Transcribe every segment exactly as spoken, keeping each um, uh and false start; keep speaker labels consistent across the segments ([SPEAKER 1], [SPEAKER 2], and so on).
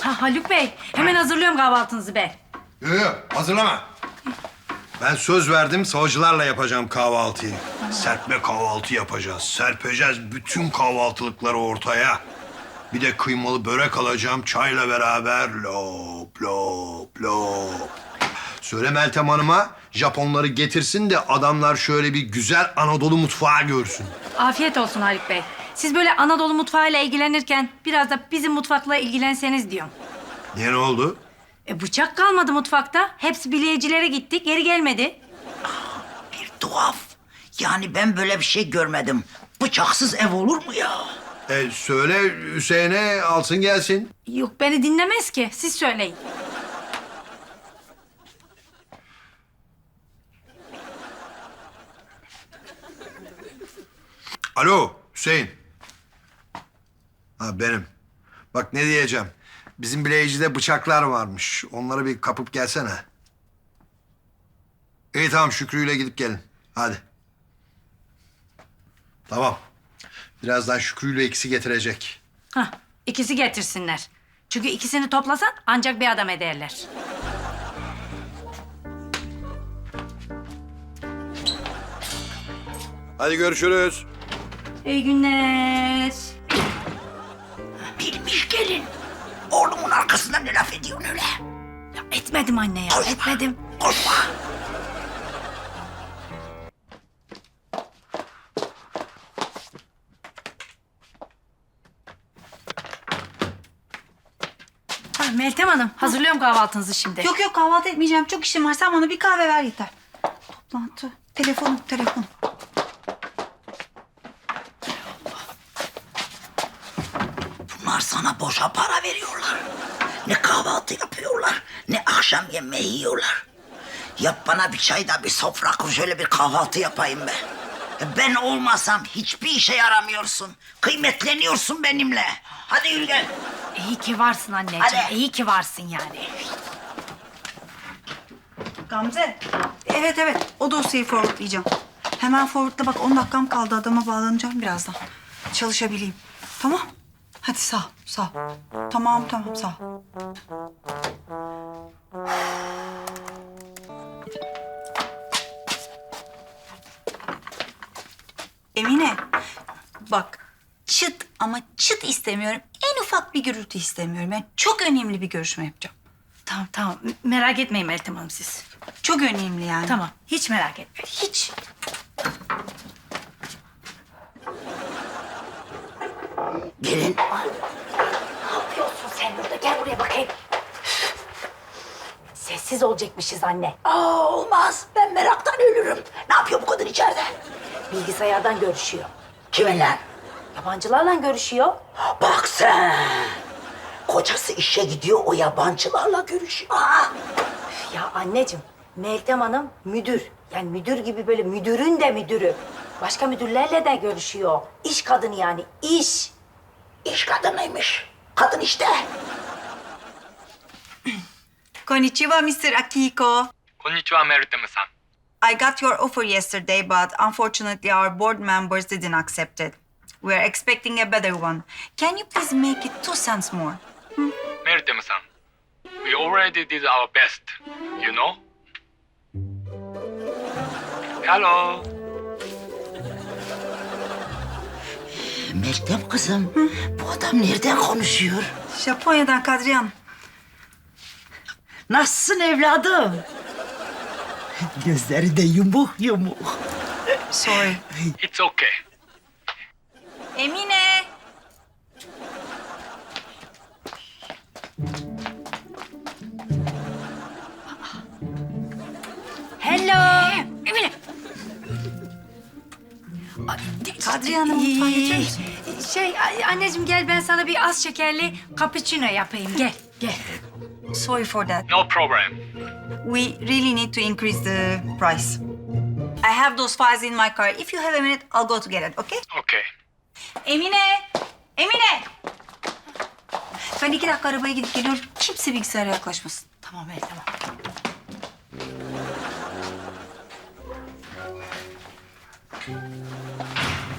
[SPEAKER 1] Ha, Haluk Bey, hemen hazırlıyorum kahvaltınızı ben.
[SPEAKER 2] Yok yok hazırlama. Ben söz verdim savcılarla yapacağım kahvaltıyı. Serpme kahvaltı yapacağız. Serpeceğiz bütün kahvaltılıkları ortaya. Bir de kıymalı börek alacağım çayla beraber. Lop lop lop. Söyle Meltem Hanım'a Japonları getirsin de adamlar şöyle bir güzel Anadolu mutfağı görsün.
[SPEAKER 1] Afiyet olsun Haluk Bey. Siz böyle Anadolu mutfağıyla ilgilenirken biraz da bizim mutfakla ilgilenseniz diyorum.
[SPEAKER 2] Niye ne oldu?
[SPEAKER 1] E, bıçak kalmadı mutfakta. Hepsi bileyicilere gitti, geri gelmedi.
[SPEAKER 3] Bir tuhaf. Yani ben böyle bir şey görmedim. Bıçaksız ev olur mu ya?
[SPEAKER 2] E, söyle Hüseyin'e alsın gelsin.
[SPEAKER 1] Yok, beni dinlemez ki. Siz söyleyin.
[SPEAKER 2] Alo Hüseyin. Ha benim. Bak ne diyeceğim. Bizim bileyicide bıçaklar varmış. Onları bir kapıp gelsene. İyi tamam Şükrü'yle gidip gelin. Hadi. Tamam. Birazdan Şükrü'yle ikisi getirecek.
[SPEAKER 1] Hah, ikisi getirsinler. Çünkü ikisini toplasan ancak bir adam ederler.
[SPEAKER 2] Hadi görüşürüz.
[SPEAKER 1] İyi günler.
[SPEAKER 3] Bilmiş gelin. Oğlumun arkasından ne laf ediyorsun öyle?
[SPEAKER 1] Ya etmedim anne ya,
[SPEAKER 3] Konuşma.
[SPEAKER 1] etmedim.
[SPEAKER 3] Konuşma.
[SPEAKER 1] Ha, Meltem Hanım, hazırlıyorum kahvaltınızı şimdi.
[SPEAKER 4] Yok yok kahvaltı etmeyeceğim. Çok işim var. Sen bana bir kahve ver yeter. Toplantı. Telefonum, telefon.
[SPEAKER 3] Bunlar sana boşa para veriyorlar. Ne kahvaltı yapıyorlar, ne akşam yemeği yiyorlar. Yap bana bir çay da bir sofra kur, şöyle bir kahvaltı yapayım be. Ben olmasam hiçbir işe yaramıyorsun. Kıymetleniyorsun benimle. Hadi yürü gel.
[SPEAKER 1] İyi ki varsın anneciğim,
[SPEAKER 3] Hadi.
[SPEAKER 1] iyi ki varsın yani.
[SPEAKER 4] Gamze. Evet evet. O dosyayı forwardlayacağım. Hemen forwardla bak. on dakikam kaldı. Adama bağlanacağım birazdan. Çalışabileyim. Tamam. Hadi sağ ol, sağ ol. Tamam tamam sağ ol. Emine. Bak. Çıt ama çıt istemiyorum. En ufak bir gürültü istemiyorum. Yani çok önemli bir görüşme yapacağım.
[SPEAKER 1] Tamam tamam, M- merak etmeyin Meltem Hanım siz.
[SPEAKER 4] Çok önemli yani.
[SPEAKER 1] Tamam, hiç merak etmeyin.
[SPEAKER 4] Hiç.
[SPEAKER 3] Gelin.
[SPEAKER 1] Ne yapıyorsun sen burada? Gel buraya bakayım. Sessiz olacakmışız anne.
[SPEAKER 3] Aa, olmaz. Ben meraktan ölürüm. Ne yapıyor bu kadın içeride?
[SPEAKER 1] Bilgisayardan görüşüyor.
[SPEAKER 3] Kiminle?
[SPEAKER 1] Yabancılarla görüşüyor.
[SPEAKER 3] Bak sen. Kocası işe gidiyor, o yabancılarla görüşüyor. Aa,
[SPEAKER 1] Ya anneciğim, Meltem Hanım müdür. Yani müdür gibi böyle müdürün de müdürü. Başka müdürlerle de görüşüyor. İş kadını yani, iş.
[SPEAKER 3] iş kadınıymış. Kadın işte.
[SPEAKER 4] Konnichiwa, mister Akiko.
[SPEAKER 5] こんにちは、メルテムさん。
[SPEAKER 4] I got your offer yesterday, but unfortunately our board members didn't accept it. We are expecting a better one. Can you please make it two cents more?
[SPEAKER 5] メルテムさん。We already did our best, you know? Hello.
[SPEAKER 3] Meltem kızım, bu adam nereden konuşuyor?
[SPEAKER 4] Japonya'dan Kadriye Hanım.
[SPEAKER 3] Nasılsın evladım? Gözleri de yumuk yumuk.
[SPEAKER 4] Sorry.
[SPEAKER 5] It's okay.
[SPEAKER 4] Emine.
[SPEAKER 1] Hello. Emine.
[SPEAKER 4] Kadriye Hanım mutfağa getirir misin?
[SPEAKER 1] Şey a- anneciğim gel ben sana bir az şekerli cappuccino yapayım. Gel, gel.
[SPEAKER 4] Sorry for that.
[SPEAKER 5] No problem.
[SPEAKER 4] We really need to increase the price. I have those files in my car. If you have a minute, I'll go to get it, okay?
[SPEAKER 5] Okay.
[SPEAKER 4] Emine! Emine! Ben iki dakika arabaya gidip geliyorum. Kimse bilgisayara yaklaşmasın.
[SPEAKER 1] Tamam evet tamam.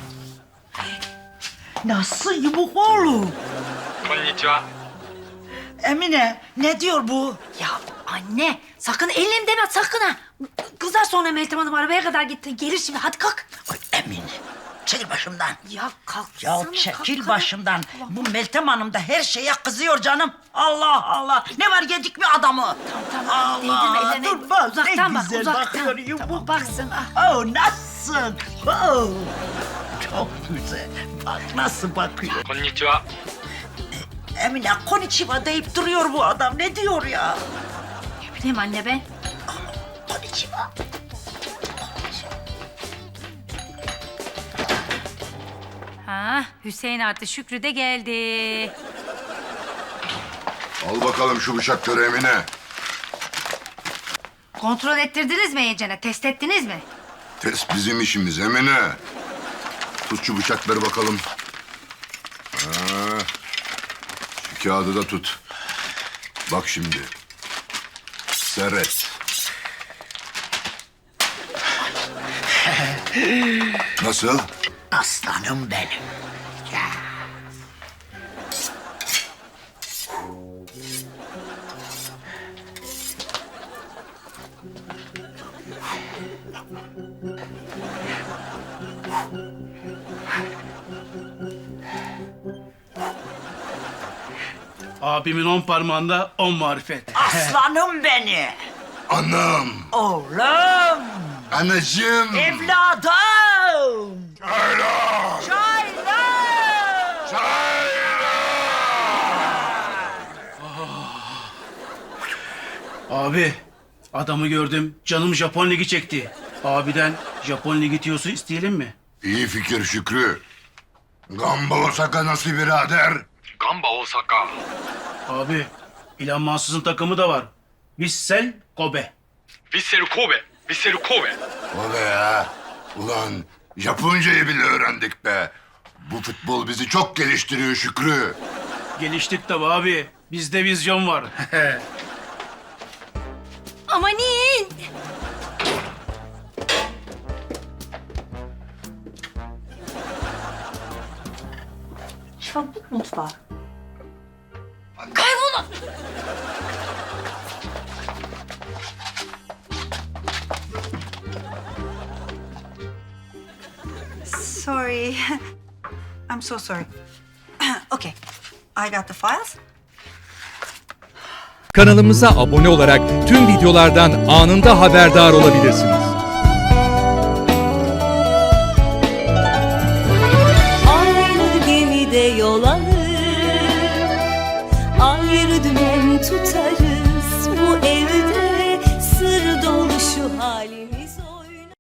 [SPEAKER 3] Nasıl yumuk oğlum?
[SPEAKER 5] こんにちは。
[SPEAKER 3] Emine ne diyor bu?
[SPEAKER 1] Ya anne sakın ellim deme sakın ha. Kızar sonra Meltem Hanım arabaya kadar gitti. Gelir şimdi hadi kalk.
[SPEAKER 3] Ay Emine çekil başımdan.
[SPEAKER 1] Ya kalksana.
[SPEAKER 3] Ya çekil
[SPEAKER 1] kalk,
[SPEAKER 3] başımdan.
[SPEAKER 1] kalk.
[SPEAKER 3] Bu Meltem Hanım da her şeye kızıyor canım. Allah Allah. Ne var yedik mi adamı?
[SPEAKER 1] Tamam değdirme
[SPEAKER 3] Allah.
[SPEAKER 1] ellerine.
[SPEAKER 3] Dur bak
[SPEAKER 1] Uzaktan
[SPEAKER 3] ne
[SPEAKER 1] bak
[SPEAKER 3] güzel
[SPEAKER 1] uzaktan.
[SPEAKER 3] bakıyor yumuk.
[SPEAKER 1] Tamam baksın. Ah.
[SPEAKER 3] Oh nasılsın? Oh. Çok güzel. Bak nasıl bakıyor.
[SPEAKER 5] こんにちは。
[SPEAKER 3] Emine konnichiwa deyip duruyor bu adam. Ne diyor ya?
[SPEAKER 1] Ne bileyim anne ben.
[SPEAKER 3] Konnichiwa.
[SPEAKER 1] Ha Hüseyin artı Şükrü de geldi.
[SPEAKER 6] Al bakalım şu bıçakları Emine.
[SPEAKER 1] Kontrol ettirdiniz mi iyicene? Test ettiniz mi?
[SPEAKER 6] Test bizim işimiz Emine. Tut şu bıçakları bakalım. Ha. Şu kağıdı da tut. Bak şimdi. Seyret. Nasıl?
[SPEAKER 3] Aslanım benim. Ya.
[SPEAKER 7] Abimin on parmağında on marifet.
[SPEAKER 3] Aslanım beni.
[SPEAKER 6] Anam.
[SPEAKER 3] Oğlum.
[SPEAKER 6] Anacığım.
[SPEAKER 3] Evladım.
[SPEAKER 6] Çaylar.
[SPEAKER 3] Çaylar.
[SPEAKER 7] Abi adamı gördüm canım Japon ligi çekti. Abiden Japon ligi tiyosu isteyelim mi?
[SPEAKER 6] İyi fikir Şükrü. Gamba Osaka nasıl birader?
[SPEAKER 5] ガンバ大阪。
[SPEAKER 7] Abi İlhan Mansız'ın takımı da var. Vissel Kobe.
[SPEAKER 5] ヴィッセル神戸。ヴィッセル神戸。
[SPEAKER 6] O be ya. Ulan Japoncayı bile öğrendik be. Bu futbol bizi çok geliştiriyor Şükrü.
[SPEAKER 7] Geliştik tabi abi. Bizde vizyon var.
[SPEAKER 1] Amanin.
[SPEAKER 4] Çabuk mutfağa.
[SPEAKER 1] Kaybolun.
[SPEAKER 4] Sorry. I'm so sorry. Okay. I got the files.
[SPEAKER 8] Kanalımıza abone olarak tüm videolardan anında haberdar olabilirsiniz.
[SPEAKER 9] Aynı gemide yol alır, ayrı dümen tutarız.